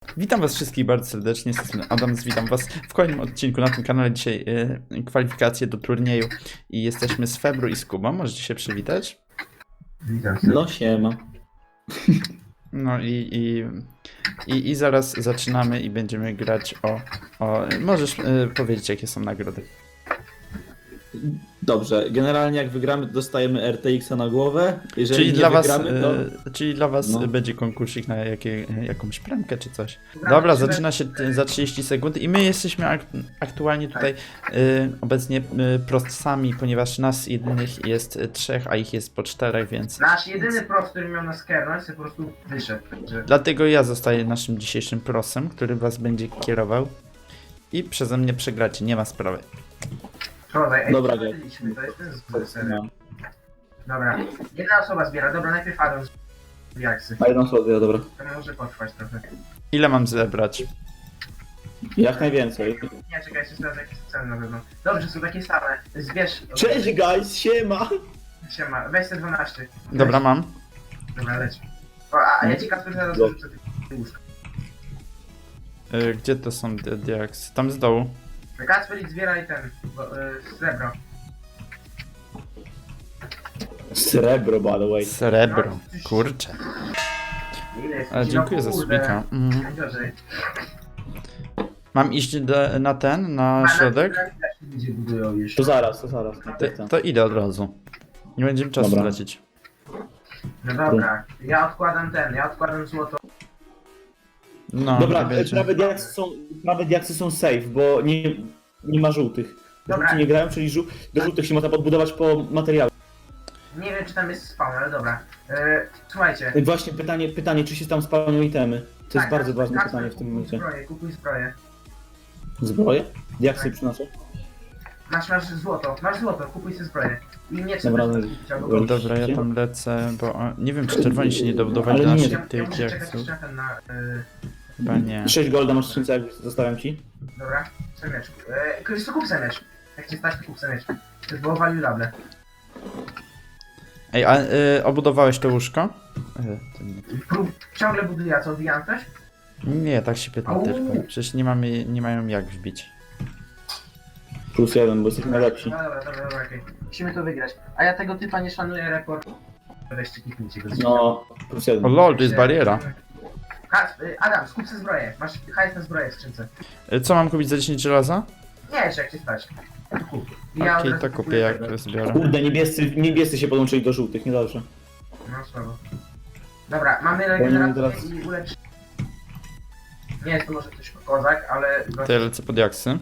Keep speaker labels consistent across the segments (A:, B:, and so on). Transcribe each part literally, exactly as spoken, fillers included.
A: Witam was wszystkich bardzo serdecznie, jestem Adams, witam was w kolejnym odcinku na tym kanale. Dzisiaj y, kwalifikacje do turnieju i jesteśmy z Febru i z Kubą, możecie się przywitać.
B: Witam się.
C: No siema.
A: No i, i, i, i zaraz zaczynamy i będziemy grać o... o możesz y, powiedzieć, jakie są nagrody.
C: Dobrze, generalnie jak wygramy, to dostajemy R T X-a na głowę. Jeżeli
A: Czyli
C: nie
A: dla, was,
C: wygramy, to...
A: y, czyli dla was
C: No.
A: będzie konkursik na jakie, jakąś premkę czy coś. Dobra, zaczyna się t- za trzydzieści sekund i my jesteśmy ak aktualnie tutaj y, obecnie y, prostcami, ponieważ nas jedynych jest y, trzech, a ich jest po czterech, więc
B: Nasz jedyny prost, który miał nas kernąć, to po prostu wyszedł. Także...
A: dlatego ja zostaję naszym dzisiejszym prosem, który was będzie kierował i przeze mnie przegracie, nie ma sprawy.
B: Wczoraj, ej,
C: Dobra,
B: przegraliśmy, to jest ten zły serio.
C: No.
B: Dobra, jedna osoba zbiera, dobra, najpierw Adam z jaksy.
C: A jedną sobie, dobra.
B: To może potrwać trochę.
A: Ile mam zebrać?
C: Jak najwięcej.
B: Nie, czekaj, jeszcze sprawdzę jakie są ceny na pewno. Dobrze, są takie same. Zbierz...
C: Cześć guys, siema!
B: Siema, weź te dwanaście.
A: Dobra, mam.
B: Dobra, leć. O, a, a ja ci Kasper zaraz
C: Go.
B: rzucę ty łóżko.
A: Y, gdzie to są te diaksy? Tam z dołu.
B: Kasper, idź zbieraj ten, bo, y, srebro.
C: Srebro, by the way.
A: Srebro, kurczę.
B: Ile jest?
A: Ale
B: No
A: dziękuję za
B: kurde.
A: subika. Mhm.
B: Najgorzej.
A: Mam iść do, na ten, na środek?
B: Ludzie budują już.
C: To zaraz, to zaraz.
A: To, to idę od razu. Nie będziemy czasu
C: Dobra.
A: lecieć.
B: No dobra, ja odkładam ten, ja odkładam złoto.
A: No,
C: Dobra,
A: nie będzie.
C: prawe diaksy są, prawe diaksy są safe, bo nie, nie ma żółtych.
B: Dobra.
C: Żółci nie grają, czyli żół, do żółtych się można podbudować po materiale.
B: Nie wiem czy tam jest spawn, ale dobra. E, słuchajcie.
C: I właśnie pytanie, pytanie, czy się tam spalą itemy? To jest
B: Tak,
C: bardzo
B: Kasper,
C: ważne
B: Kasper,
C: pytanie w tym
B: kupuj
C: momencie.
B: Zbroję, kupuj zbroję.
C: Zbroje? Diaksy
B: Tak.
C: przynoszę?
B: Masz, masz złoto, masz złoto, kupuj sobie zbroję. I nie
C: Dobra,
B: trzeba
C: no,
B: kupić albo
C: dobra.
A: Dobra, ja tam lecę, bo o, nie wiem czy czerwoni się nie dobudowali
C: Ale
A: do
C: nie.
A: naszych
B: ja, ja
A: tych
B: muszę czekać
A: diaksów.
B: jeszcze na ten na... E,
A: Chyba nie.
C: sześć golda masz w skrzynce, jak zostawiam ci.
B: dobra, semeczku. E, Ktoś to kup semecz. Jak cię stać, to kup semecz. To już było valuable.
A: Ej, a y, obudowałeś to łóżko? Y, to nie.
B: Prób, ciągle buduję, a co, odbijam coś?
A: Nie, tak się pytam
B: Au.
A: tylko. Przecież nie mamy, nie mają jak wbić.
C: Plus jeden, bo jesteśmy najlepsi.
B: No dobra, dobra, dobra, okej. Musimy to wygrać. A ja tego typa nie szanuję, rekord. Weźcie, kliknijcie go.
C: No, plus jeden.
A: O lol, to jest bariera.
B: Kas- y, Adam, skup sobie zbroję. Masz hajs na zbroję w skrzynce.
A: Y, co mam kupić za dziesięć żelaza?
B: Nie, jeszcze jak cię stać. Kup. I
A: Okej,
B: od razu
A: to kupię
B: kupuję
A: jak
B: tego.
A: zbiorę.
C: Kurde, niebiescy, niebiescy się podłączyli do żółtych, niedobrze.
B: No słabo. Dobra, mamy
C: Powinienem
B: regenerację
C: teraz-
B: i ulecz... Nie jest to może ktoś kozak, ale...
A: To ja lecę pod jaksy.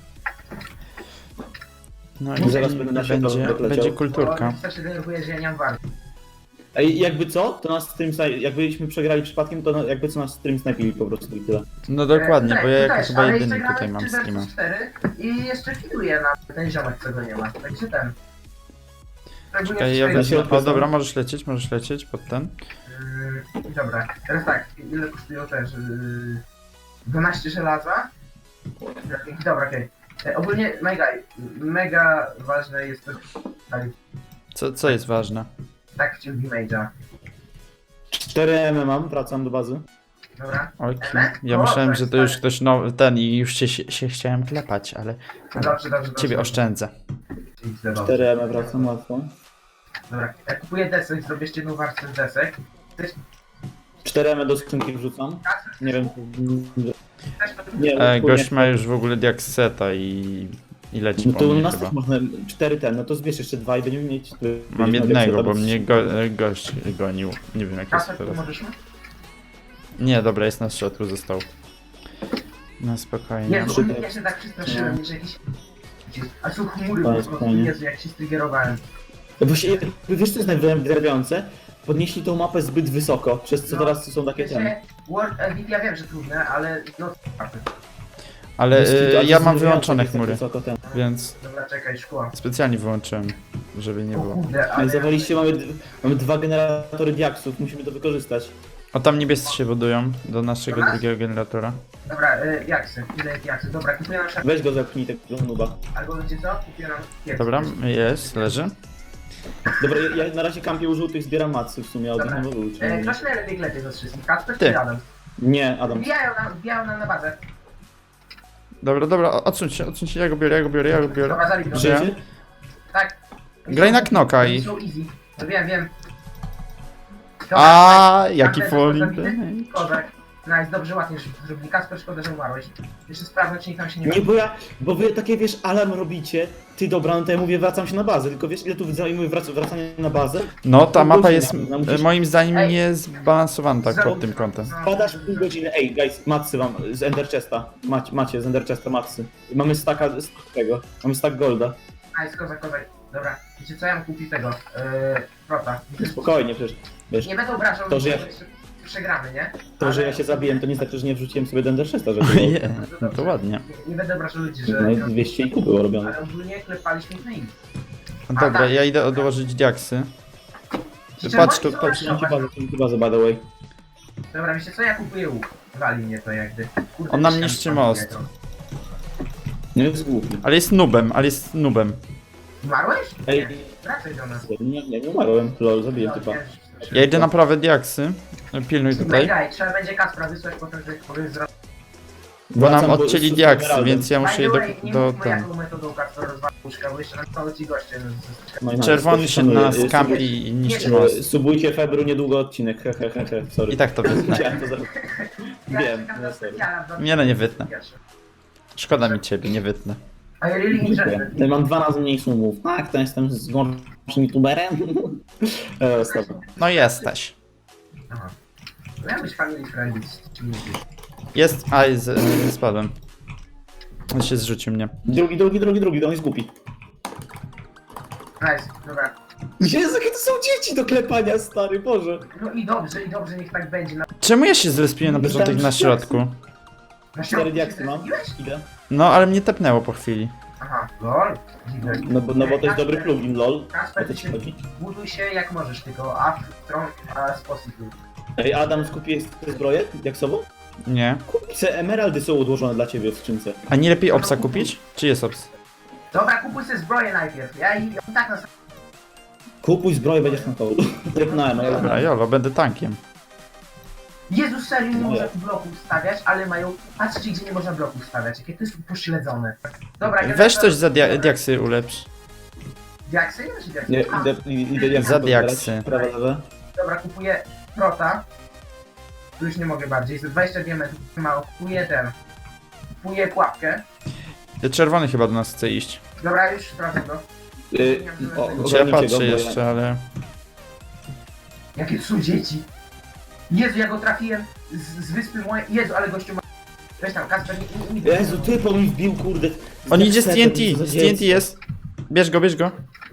A: No i
C: Zaraz będę na światło
A: będzie,
C: leciał.
A: będzie
B: Bo
A: kulturka.
B: Wystarczy się denerwuje, że ja nie mam warty.
C: Ej, jakby co, to nas stream snaj... jakbyśmy przegrali przypadkiem, to na... jakby co nas stream snajpili po prostu i tyle.
A: No dokładnie,
B: E,
A: bo ja
B: tu
A: jako
B: też,
A: chyba
B: ale
A: jedyny
B: jeszcze
A: tutaj
B: gramy
A: mam
B: trzy versus
A: streama.
B: cztery I jeszcze fituje na ten ziomek, co go nie ma. Także ten. Szczególnie
A: Czekaj, ja
B: w
A: wezmę.
B: swojej-
C: środku
A: O
C: są.
A: dobra, możesz lecieć, możesz lecieć pod ten.
B: Yy, dobra, teraz tak, ile kosztują też? Yy, dwanaście żelaza. Dobra, okej. Okay. Ogólnie mega, mega ważne jest to, tak,
A: Co, co jest ważne?
B: tak w ciągu Mage'a.
C: cztery M mam, wracam do bazy.
B: Dobra,
A: Oj,
B: Eme?
A: ja
B: O,
A: myślałem,
B: tak,
A: że to już
B: tak.
A: ktoś nowy, ten i już się, się, się chciałem klepać, ale, ale
B: dobrze, dobrze, dobrze.
A: ciebie oszczędzę.
B: Dobrze.
C: cztery M wracam łatwo.
B: Dobra, ja kupuję desek, zrobię jeszcze jedną warstwę z desek. Też,
C: cztery M do skrzynki wrzucam. Nie wiem,
B: też
C: nie
A: E,
C: wiem.
A: gość ma już w ogóle diakseta i, i leci
C: No
A: po
C: to u
A: mnie
C: nas
A: chyba.
C: też można cztery ten, no to zbierz jeszcze dwa i będziemy mieć...
A: Mam jednego, bo mnie go, e, gość gonił. Nie wiem jak jest
B: Kasper,
A: teraz.
B: pomożesz mi?
A: Nie, dobra, jest na środku, został. No spokojnie.
B: Jezu,
C: Super.
B: ja się tak przestraszyłem, że jakiś... A są chmury
C: To
B: po
C: jest
B: prostu,
C: fajnie.
B: Jezu, jak się strygerowałem.
C: Właśnie, wiesz co jest najwrażające? Podnieśli tą mapę zbyt wysoko, przez co
B: No,
C: teraz są takie ten.
B: Wiecie, World Edit, ja wiem, że trudne, ale no...
A: Ale
C: Jest-
A: e,
C: to
A: ja
C: jest
A: mam
C: zdenerwujące,
A: wyłączone
C: jak tak
A: chmury,
C: wysoko ten.
A: więc
B: Dobra, czekaj, szkło.
A: specjalnie wyłączyłem, żeby nie
B: O
A: było.
B: kurde,
C: Ale
B: ale...
C: zawaliście, mamy, d- mamy dwa generatory diaksów, musimy to wykorzystać.
A: O, tam niebiescy się budują do naszego
B: Dobra.
A: drugiego generatora.
B: Dobra, y, jaksy, ile jest jaksy? Dobra, kupuję nam szafę.
C: Weź go zepchnij tego nuba.
B: Albo wiecie co? Kupuję nam kiepski.
A: Dobra, jest, leży.
C: Dobra, ja, ja na razie kampię u żółtych, zbieram macy w sumie, a od nich
B: Dobra.
C: nie mogę
B: E,
C: uczynić.
B: Kto się najlepiej klepie ze wszystkich? Kasper
A: Ty.
B: czy Adam?
C: Nie, Adam.
B: Wbijają nam, wbijają nam na bazę.
A: Dobra, dobra, odsuń się, odsuń się, ja go biorę, ja go biorę, ja go biorę.
B: Dobra, zabij go.
A: Że-
C: Żyjecie?
B: Tak.
A: Graj na knoka
B: Oni
A: i...
B: są easy. No wiem, wiem. Dobra,
A: A,
B: tak,
A: jaki
B: tak,
A: fall
B: zabity.
A: damage.
B: Kozak. Nice, dobrze, ładnie że zrobili. Kasper, szkoda, że umarłeś. Jeszcze sprawdzę, czy nikt tam się nie
C: Nie, bo ja, bo wy takie, wiesz, alarm robicie, ty dobra, no to ja mówię, wracam się na bazę, tylko wiesz, ile tu zajmuje wrac wracanie na bazę?
A: No, ta
C: Pół
A: mapa
C: godziny,
A: jest
C: no, musisz-
A: e, moim zdaniem
B: Ej.
A: nie zbalansowana tak
B: Zero-
A: pod tym kątem.
B: No,
C: Padasz pół godziny, ej, guys, matsy wam, z Ender Chesta, macie, macie z Ender Chesta matsy. Mamy staka z tego, mamy stack golda.
B: Nice, kozak, kozak. Dobra, wiecie co, ja mam kupić tego, yy, prota.
C: Spokojnie, przecież, wiesz,
B: Nie będę obrażał,
C: To, że ja-
B: jeszcze przegramy, nie?
C: to, że
B: Ale-
C: ja się zabiłem, to nie znaczy, że nie wrzuciłem sobie do Ender Chesta, żeby
A: Je, no to ładnie.
B: Nie, nie będę obrażał ludzi, że...
C: no i dwieście i pół było robione.
B: Ale ogólnie klepaliśmy w nim.
A: Dobra, ja idę odłożyć diaksy.
B: Szczerze,
A: Patrz tu,
B: oni są
A: patrz.
B: lepsze,
C: Trzymajcie bazę, trzymajcie bazę, by the way.
B: Dobra, wiecie co, ja kupuję łuk. Wali mnie to jakby. Kurde,
A: On nam
B: myślałem,
A: niszczy
B: że
A: most.
B: pan
C: Nie jest głupi.
A: Ale jest nubem, ale jest nubem.
B: Umarłeś?
C: Ej.
B: Nie, wracaj do nas.
C: Nie, nie, nie umarłem, lol, zabiłem typa.
A: Ja idę naprawę diaksy. Pilnuj tutaj.
B: Daj, trzeba będzie Kaspra wysłać potem, że powiem zrobić.
A: Bo nam
C: Wracam,
A: odcięli
C: z- z
A: diaksy,
C: emeraldem.
A: więc ja muszę je do...
B: nie
A: do
B: mówmy
A: ten.
B: jaką metodą Kaspra rozwalił łóżka, bo jeszcze na cały ci goście.
C: No i nice,
A: Czerwony się
C: szanuję.
A: nas
C: Sub-
A: kampi i niszczy
B: Nie,
A: most.
C: Subujcie Febru, niedługo odcinek, he he he he, sorry.
A: I tak to wytnę.
C: Chciałem to zrobić.
B: Ja
C: Wiem,
B: czekam
C: no
B: na
C: sorry.
B: specjala, dwa-
A: Nie no, nie wytnę.
B: pierwsze.
A: Szkoda mi ciebie, nie wytnę.
B: A ja really interested.
C: Ja mam dwa razy mniej sumów. Tak, to jestem z gorszym youtuberem. e, stop.
A: No jesteś.
B: Aha. Miałem być family friendly, czy nie wiesz?
A: Jest, a z, z, spadłem. On się zrzucił mnie.
C: Drugi, drugi, drugi, drugi, on jest głupi.
B: Nice, dobra.
C: Jezu, jakie to są dzieci do klepania, stary, Boże.
B: No i dobrze, i dobrze, niech tak będzie. Na,
A: Czemu ja się zrespiłem na początek na środku?
B: na
C: Cztery
B: środku
C: diaksy
B: się
C: mam.
B: zrespiłeś?
C: Ile?
A: No, ale mnie tepnęło po chwili.
B: Aha, lol. Dziwne.
C: No bo, no bo to jest dobry
B: Kasper,
C: plugin, lol. O
B: Kasper,
C: to
B: ty
C: ci
B: się
C: chodzi.
B: buduj się jak możesz, tylko a w stronę, a sposób.
C: Ej, Adam, skupiłeś te zbroję diaksową?
A: Nie.
C: Kupce emeraldy są odłożone dla ciebie w skrzynce.
A: A nie lepiej obsa kupić? Czy jest obs?
B: Dobra, kupuj sobie zbroję najpierw. Ja i on tak nas...
C: Kupuj zbroję, będziesz na kołdu. Trepnąłem, no ja
A: Dobra, jolo, będę tankiem.
B: Jezus, serio, nie
C: No
B: można
C: jak?
B: tu bloków stawiać, ale mają... Patrzcie, gdzie nie można bloków stawiać, jakie to jest pośledzone. Dobra, ja
A: Weź
B: teraz-
A: coś za dia diaksy ulepsz.
B: Diaksy? Nie, czy diaksy?
C: Nie,
B: A,
C: idę, idę jak
A: Za diaksy.
C: Prawa, lewa.
B: Dobra, kupuję prota. Tu już nie mogę bardziej, za dwadzieścia diamentów mało. Kupuję ten. Kupuję pułapkę.
A: Czerwony chyba do nas chce iść.
B: Dobra, już sprawdzę to.
C: Y, o,
A: Czy ja
C: ogarnijcie go,
A: patrzę
C: bo
A: jeszcze, ale...
B: Jakie to są dzieci? Jezu, ja go trafiłem z, z wyspy mojej. Jezu, ale gościu ma... Weź tam, Kasper, nie, nie, nie.
C: Jezu, ty po mi wbił, kurde.
A: On idzie z T N T,
C: Co za
A: z T N T
C: dziecko.
A: jest. Bierz go, bierz go.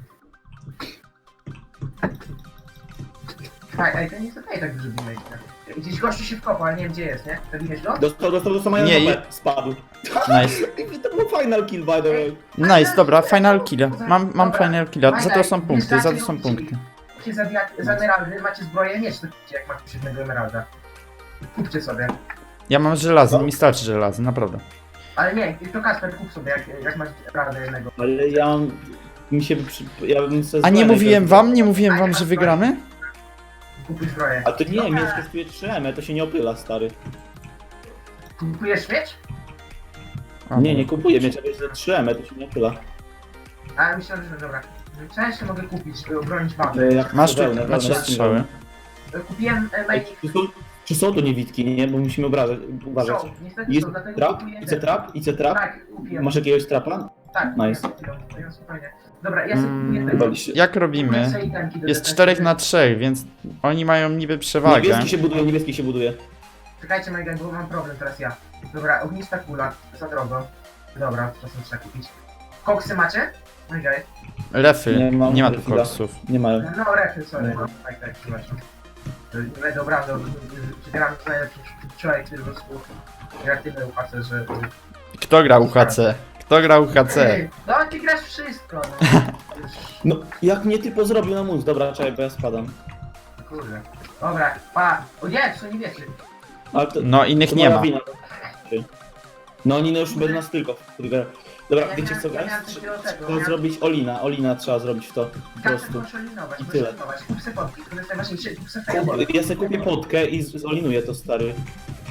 B: Tak, ej, to nie jest okej, tak dużo dimage. Gdzieś gościu się wkopał, ale nie wiem gdzie jest, nie? Zabiłeś go?
C: Dostał, dostał, dostał mają
A: Nie,
C: nie, spadł.
A: Nice.
C: I to był final kill, by the way.
A: Nice, dobra, final kill. Mam, mam final kill. Za to są punkty, za to są
B: Wjeżdżacie,
A: punkty.
B: Kupcie za, diak- za emeraldy, macie zbroję, miecz to kupcie, jak macie siódmego emeralda. Kupcie sobie.
A: Ja mam żelazo, mi starczy żelazo, naprawdę.
B: Ale nie, to Kasper, kup sobie, jak, jak masz emeralda jednego.
C: Ale ja mam... Mi się... Przy, ja bym se
A: A nie
C: zbroję
A: mówiłem
C: też-
A: wam, nie mówiłem wam, że wygramy?
B: Kupuj zbroję.
C: A to nie,
B: Dobra.
C: miecz kosztuje trzy M, to się nie opyla, stary.
B: Kupujesz miecz?
A: A,
C: Nie, nie kupuję miecza, bo jest za trzy M, to się nie opyla.
B: A myślałem, że dobra. Część mogę kupić, by obronić bazę.
C: E, jak
A: Masz tu,
C: wełnę,
A: macie
C: wełnę,
A: strzały.
B: Kupiłem e,
C: Ej,
B: majnik.
C: Czy są, czy są to niewidki, nie? Bo musimy obrażać, uważać.
B: Są, niestety
C: Jest
B: są, dlatego
C: trap?
B: kupuję
C: Idzie
B: ten.
C: trap? Idzie trap?
B: Tak, kupiłem.
C: Masz jakiegoś trapa?
B: Tak,
C: Nice.
B: kupiłem, kupiłem, spokojnie. Dobra, ja sobie kupuję
A: Mm,
B: tego.
C: Wywaliście.
A: Jak robimy? Jest czterech na trzech, więc oni mają niby przewagę.
C: Niebieski się buduje, niebieski się buduje.
B: Czekajcie, Mega, bo mam problem teraz ja. Dobra, ognista kula, za drogo. Dobra, czasem trzeba kupić. Koksy macie? Mega.
A: Refy,
C: Nie mam
A: nie ma tu
C: refila.
A: koksów.
C: Nie mają.
B: No, refy, sorry. Tak, tak, przepraszam. To nie będę obrażał, gram z najlepszym człowiek, który po prostu gra tyle upłacę, że...
A: Kto gra U H C? Kto gra U H C?
B: Ej, no, ty grasz wszystko, no. Już,
C: No, jak mnie typo zrobił na mózg. Dobra, czekaj, bo ja spadam.
B: kurde. Dobra, pa. O nie, to są niebiescy.
C: Ale to,
A: No, innych
C: to
A: nie
C: moja
A: ma.
C: wina. No oni no już będą nas tylko. Kurde. Dobra,
B: Ja
C: wiecie
B: miałem-
C: co,
B: ja
C: guys?
B: miałem takiego tego,
C: Trzeba
B: miałem-
C: zrobić Olina, Olina trzeba zrobić w to. Po
B: Tak,
C: prostu.
B: muszę linować,
C: I
B: muszę
C: tyle.
B: linować. Kup se podki, to jest najważniejsze, kup se fireball.
C: Ja sobie kupię potkę i z- zolinuję to, stary.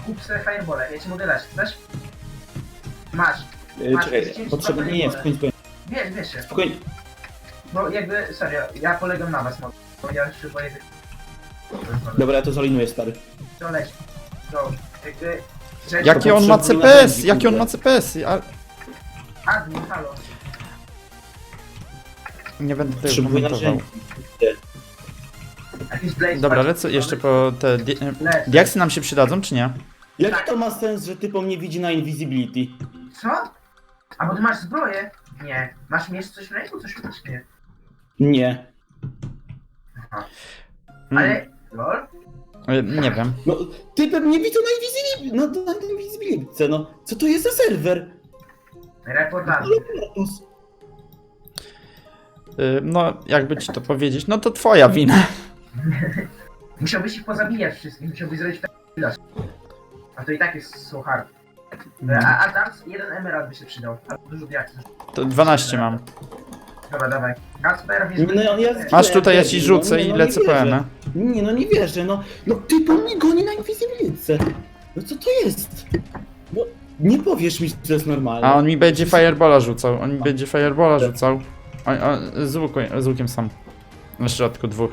B: kup sobie fireballę, ja ci mogę dać, chcesz? Masz.
C: Yy,
B: Masz
C: czekaj,
B: dziesięć
C: potrzebny, nie, nie, spokojnie, spokojnie,
B: Wiesz, wiesz się.
C: spokojnie.
B: Bo jakby, serio, ja polegam na was, mocno, bo ja już się boję tych...
C: Dobra, ja to zalinuję, stary.
B: To leć. To jakby... że-
A: Jakie on ma C P S? Jakie on ma C P S? Ja
B: Admin, halo.
A: nie będę tego
C: Potrzebuję
A: komentował.
C: narzędzi.
B: Jakiś blaze.
A: Dobra,
B: patrz.
A: lecę jeszcze po te... di-
B: Leć.
A: Diaksy nam się przydadzą, czy nie?
C: Jaki to ma sens, że typo mnie widzi na invisibility?
B: Co? A bo ty masz zbroję? Nie. Masz mieć coś w ręku? Coś masz? Nie.
C: Nie.
A: Mm,
B: Ale... Lol?
A: y, nie wiem.
C: No, typem mnie widzą na invisibility, na, na invisibility, no. Co to jest za serwer?
B: Reportaż.
C: Ale Kratos.
A: Y, no, jakby ci to powiedzieć, no to twoja wina.
B: Musiałbyś ich pozabijać wszystkich, musiałbyś zrobić tak ilość. A to i tak jest so hard.
A: No.
B: A, a tam jeden emerald by się przydał. Albo dużo diaksów.
A: To dwanaście mam.
B: Dobra, dawaj. Kasper, wiesz...
C: No, ja, ja,
A: Masz tutaj, ja ci
C: no,
A: rzucę
C: nie,
A: i
C: no,
A: lecę
C: nie
A: po
C: wierzę.
A: Emę.
C: Nie, no nie wierzę, no. No typo mnie goni na invisibility. No co to jest? No, nie powiesz mi, że to jest normalne.
A: A on mi będzie Firebola rzucał, on mi będzie Firebola rzucał. On, on, z, łuku, z łukiem sam. Na środku dwóch.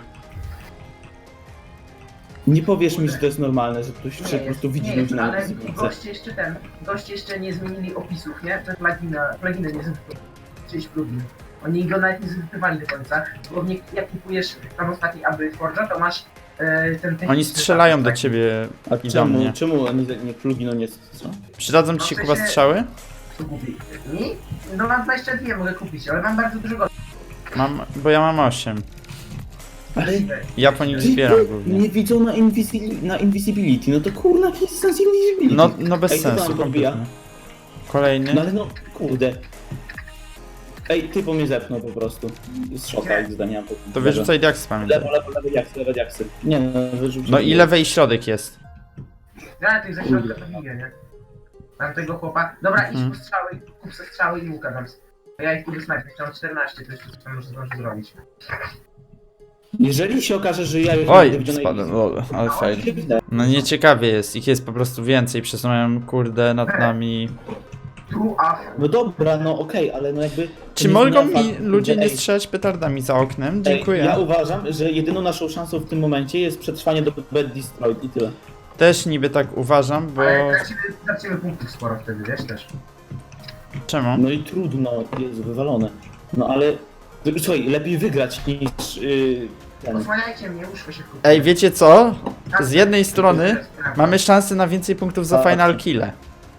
C: Nie powiesz mi, że to jest normalne, że ktoś
B: Nie
C: się po
B: jest,
C: prostu widzi
B: nie
C: ludzi
B: jest,
C: na
B: ale
C: invisibility.
B: goście jeszcze ten... Goście jeszcze nie zmienili opisów, nie? Te plugina, pluginy nie zwypływali. Czyjś plugin. Oni go nawet nie zwypływali do końca. Bo nie, jak kupujesz tam ostatni aby Forge'a, to masz e, ten...
A: Oni strzelają do ciebie
C: A
A: i do
C: czemu,
A: mnie.
C: czemu nie, nie plugino nie co?
A: Przydadzą ci się kuba strzały?
B: Co kupi? Mi? No mam dwadzieścia dwa mogę kupić, ale mam bardzo dużo gości.
A: Mam, bo ja mam osiem.
C: Ale
A: Ja po nich zbieram głównie.
C: nie widzą na, invisi na invisibility, no to kurna, jaki jest sens invisibility?
A: No, no bez
C: Ej, kto
A: sensu,
C: tam podbija?
A: kompletnie. Kolejny.
C: No ale no, kurde. Ej, ty po mnie zepnął po prostu. Z szoka, jak zdania.
A: To wyrzucaj diaksy, pamiętaj.
C: Lewo, lewo, lewo diaksy, lewo diaksy. Nie no, wyrzucaj.
A: No i lewej środek jest.
B: Ja tych ze środka to biję, nie? Mam tego chłopa. Dobra, idź
A: Mhm.
B: po strzały, kup se strzały i łuka tam. Ja ich tu wysnajpię, chciałem czternaście, to jeszcze tam może zdążę zrobić.
C: Jeżeli się okaże, że ja już
A: Oj,
C: będę widział na
A: spadłem, lol, ale
B: No,
A: fail.
C: invisibility, widzę.
A: No nieciekawie jest, ich jest po prostu więcej, przesuwają kurde nad nami.
B: Tu, a...
C: No dobra, no okej, ale no jakby...
A: Czy
C: to nie
A: mogą
C: zmienia
A: mi
C: faktu,
A: ludzie
C: że-
A: nie
C: ej,
A: strzelać petardami za oknem?
C: ej,
A: Dziękuję.
C: Ja uważam, że jedyną naszą szansą w tym momencie jest przetrwanie do Bad Destroyed i tyle.
A: Też niby tak uważam, bo...
B: Ale tracimy, tracimy punktów sporo wtedy, wiesz też.
A: Czemu?
C: No i trudno, jest wywalone. No ale... Słuchaj, lepiej wygrać niż... Yy, ten.
B: Osłaniajcie mnie, łóżko się kupi.
A: Ej, wiecie co? Z jednej strony mamy szansę na więcej punktów za
C: Tak.
A: final kille.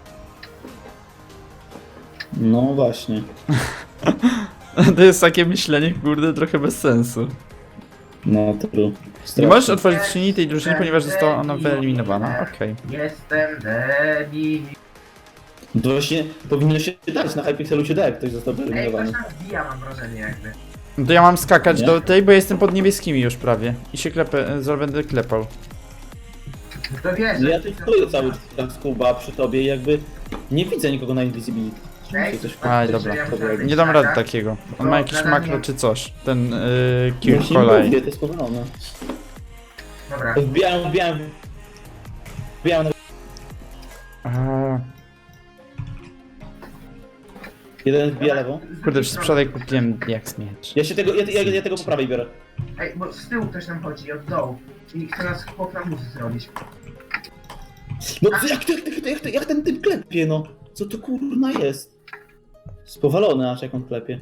C: No właśnie.
A: To jest takie myślenie, kurde, trochę bez sensu.
C: No true.
A: Nie możesz otworzyć skrzyni tej drużyny, ponieważ została ona wyeliminowana. Okej.
B: Jestem debil.
C: To właśnie powinno się dać, na Hypixelu się da, jak ktoś został
B: Ej, ktoś
C: wyeliminowany.
B: tam wbija, mam wrażenie jakby.
A: To ja mam skakać
C: Nie?
A: do tej, bo jestem pod niebieskimi już prawie. I się klepę, zaraz będę klepał.
B: No to wiesz,
C: No
B: że-
C: ja tu stoję cały czas z Kuba przy tobie i jakby nie widzę nikogo na invisibility. Czy mi się coś
A: Aj,
B: że
A: dobra,
B: ja
C: dobra.
B: musiałem
A: Nie dam
B: taka-
A: rady takiego. On ma jakiś
B: No,
A: makro
B: nie.
A: czy coś. Ten yy, kill
C: Właśnie
A: kolej.
C: mówię, to jest powalone.
B: Dobra.
C: Wbijałem, wbijałem, wbijałem na...
A: A,
C: Jeden wbija lewą.
A: kurde, przez przypadek kupiłem jak miecz.
C: Ja się tego, ja, ja, ja tego po prawej biorę.
B: Ej, bo z tyłu ktoś nam chodzi, od dołu. I chce nas chłop na muzy zrobić.
C: No co, jak, jak, jak, jak, jak ten typ klepie, no? Co to kurna jest? Spowalony aż jak on klepie.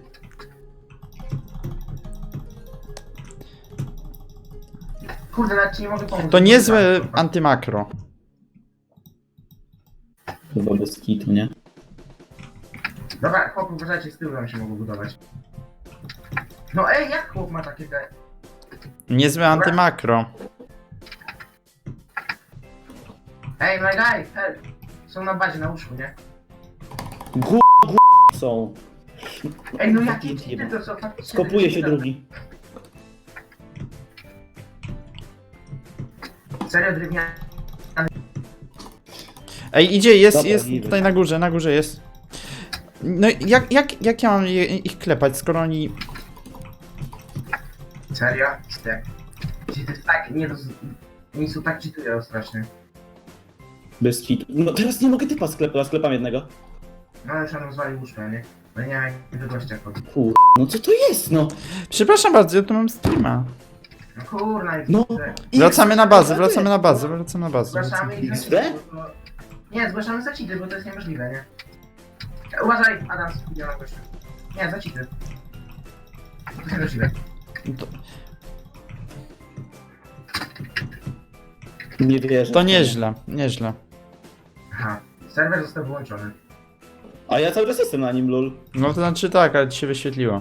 B: Kurde, nawet ci nie mogę pomóc.
A: To niezłe antymakro.
C: Chyba bez kitu, nie?
B: Dobra, chłop, uważajcie, z tyłu nam się mogą budować. No ej, jak chłop ma takie te...
A: Niezłe antymakro.
B: Ej, my guy, help! Są na bazie, na łóżku, nie?
C: Gu... gu... są.
B: Ej, no jakie ci to co faktycznie...
C: Skopuje się drugi.
B: Serio, drewniany.
A: Ej, idzie, jest,
C: Dobra,
A: jest
C: niby.
A: tutaj na górze, na górze jest. No i jak, jak, jak ja mam je, ich klepać, skoro oni...
B: Serio? Jak? Ci to jest tak, nie roz... Oni są tak cheatują strasznie.
C: Bez kitu. No teraz nie mogę typa sklepać, sklepam jednego.
B: No ale trzeba zwalić łóżko, nie? No nie wiem jak do gościa wchodzi.
C: Kur... No co to jest, no?
A: Przepraszam bardzo, ja tu mam streama.
B: No kurna i
C: No.
A: Wracamy na bazę, wracamy na bazę, wracamy na bazę.
B: Zgłaszamy i
C: X D?
B: zacidy, bo to... Nie, zgłaszamy zacidy, bo to jest niemożliwe, nie? Uważaj, Adam, idzie na gościu. Nie, zacidy. To jest niemożliwe.
A: To,
C: Nie wierzę.
A: to nieźle, nieźle.
B: Aha, serwer został wyłączony.
C: A ja cały czas jestem na nim, lol.
A: No to znaczy tak, ale ci się wyświetliło.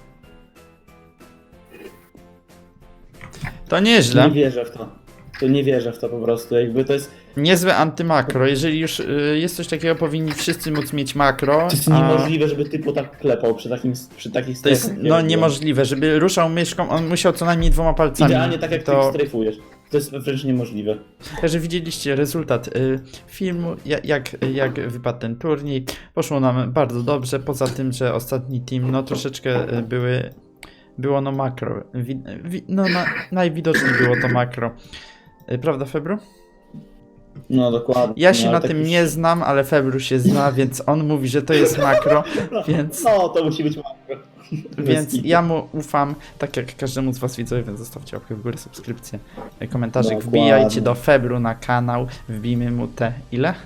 A: To nieźle.
C: Nie wierzę w to. To nie wierzę w to po prostu, jakby to jest...
A: Niezłe antymakro. Jeżeli już y, jest coś takiego, powinni wszyscy móc mieć makro.
C: To jest
A: a
C: niemożliwe, żeby typu tak klepał przy takim, przy takich
A: To jest
C: strefach,
A: no
C: jak
A: niemożliwe, żeby ruszał myszką, on musiał co najmniej dwoma palcami.
C: Idealnie tak jak
A: to...
C: ty strefujesz. To jest wręcz niemożliwe.
A: Także widzieliście rezultat y, filmu, jak, jak, jak wypadł ten turniej. Poszło nam bardzo dobrze, poza tym, że ostatni team no troszeczkę y, były, było no makro. Wi, wi, no na, najwidoczniej było to makro. Y, prawda, Febru?
C: No dokładnie.
A: Ja się
C: no,
A: na
C: ale
A: tym
C: tak już-
A: nie znam, ale Febru się zna, więc on mówi, że to jest makro, więc...
C: No to musi być makro.
A: Więc
C: kitu.
A: ja mu ufam, tak jak każdemu z was widzowie, więc zostawcie łapkę w górę, subskrypcję, komentarzyk,
C: Dokładnie.
A: wbijajcie do Febru na kanał, wbijmy mu te ile?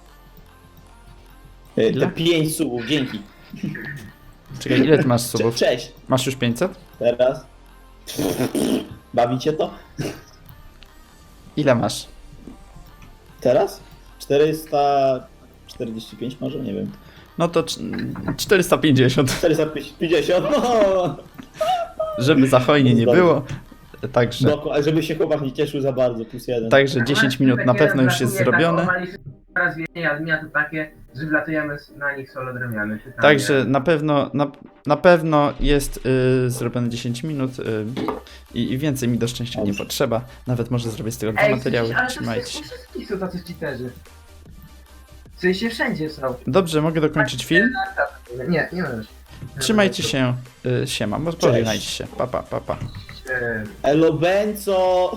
C: E,
A: Ile?
C: Te pięć subów, dzięki.
A: Czekaj, ile ty masz
C: Cze-
A: subów?
C: Cześć.
A: Masz już pięćset?
C: Teraz. Bawicie to?
A: Ile masz?
C: Teraz? czterysta czterdzieści pięć może? Nie wiem.
A: No to cz- czterysta pięćdziesiąt,
C: czterysta pięćdziesiąt, no!
A: żeby za hojnie nie
C: Dobrze.
A: było. Także,
C: Dokładnie, żeby się chłopak nie cieszył za bardzo, plus jeden.
A: także dziesięć minut na pewno już jest zrobione.
B: Teraz więcej admina to takie, że wlatujemy na nich solo drewniany. Pytanie.
A: Także na pewno, na, na pewno jest y, zrobione dziesięć minut y, i, i więcej mi do szczęścia nie
C: Dobrze.
A: potrzeba. Nawet może zrobię z tego dwa
B: Ej,
A: materiały.
B: ale to
A: Trzymajcie się.
B: wszystkich wszystkich są tacy cheaterzy. W sensie wszędzie są.
A: Dobrze, mogę dokończyć film?
B: Nie, nie możesz.
A: Trzymajcie się, y, siema, bo pożegnajcie się. Pa, pa, pa, pa.
B: Eee,
C: Elo Benco!